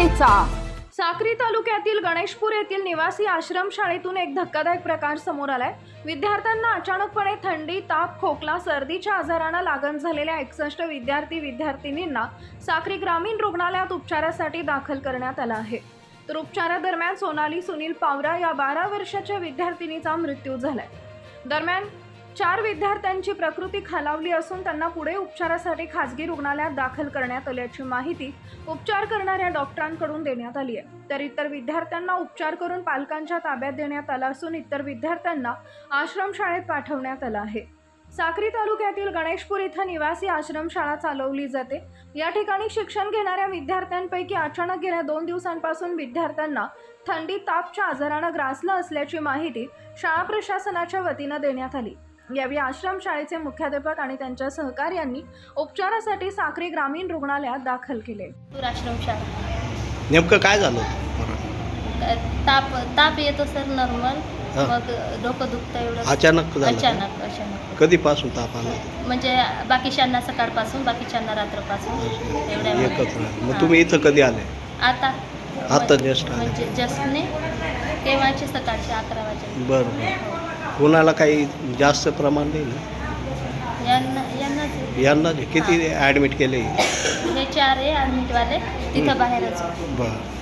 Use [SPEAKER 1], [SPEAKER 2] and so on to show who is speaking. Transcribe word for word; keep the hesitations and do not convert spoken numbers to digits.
[SPEAKER 1] वाचायचा। साक्री तालुक्यातील गणेशपूर येथील निवासी आश्रमशाळेतून एक धक्कादायक प्रकार समोर आलाय। विद्यार्थ्यांना अचानकपणे थंडी, ताप, खोकला, सर्दीच्या आजारांना लागण झालेल्या एकसष्ट विद्यार्थी विद्यार्थिनींना साक्री ग्रामीण रुग्णालयात उपचारासाठी दाखल करण्यात आलं आहे। तर उपचारादरम्यान सोनाली सुनील पावरा या बारा वर्षाच्या विद्यार्थिनीचा मृत्यू झालाय। दरम्यान चार विद्यार्थ्यांची प्रकृती खालावली असून त्यांना पुढे उपचारासाठी खासगी रुग्णालयात दाखल करण्यात आल्याची माहिती उपचार करणाऱ्या डॉक्टरांकडून देण्यात आली आहे। तर इतर विद्यार्थ्यांना उपचार करून पालकांच्या ताब्यात देण्यात आला असून इतर विद्यार्थ्यांना आश्रमशाळेत पाठवण्यात आलं आहे। साक्री तालुक्यातील गणेशपूर इथं निवासी आश्रमशाळा चालवली जाते। या ठिकाणी शिक्षण घेणाऱ्या विद्यार्थ्यांपैकी अचानक गेल्या दोन दिवसांपासून विद्यार्थ्यांना थंडी, तापच्या आजारानं ग्रासलं असल्याची माहिती शाळा प्रशासनाच्या वतीनं देण्यात आली। यावेळी आश्रमशाळेचे मुख्याध्यापक आणि त्यांच्या सहकार्यांनी उपचारासाठी साक्री ग्रामीण रुग्णालयात दाखल केले।
[SPEAKER 2] आश्रमशाळा नेमकं काय झालं?
[SPEAKER 3] ताप ताप येतो सर नॉर्मल, मग डोकं दुखतं एवढं
[SPEAKER 2] अचानक झालं?
[SPEAKER 3] अचानक अचानक
[SPEAKER 2] कधीपासून ताप आला?
[SPEAKER 3] म्हणजे बाकीच्यांना सकाळपासून, बाकीच्यांना रात्रपासून एवढ्या
[SPEAKER 2] एकच वेळ। मग तुम्ही इथं कधी आले?
[SPEAKER 3] आता
[SPEAKER 2] आता जस्ट आले?
[SPEAKER 3] म्हणजे जस्टने केव्हाचे सकाळचे अकरा वाजे।
[SPEAKER 2] बरं बरं। कोणाला काही जास्त प्रमाण नाही ना?
[SPEAKER 3] यांना यांना
[SPEAKER 2] यांना किती ॲडमिट केले?
[SPEAKER 3] हे चार आहे ॲडमिटवाले, तिथं बाहेरच
[SPEAKER 2] बरं।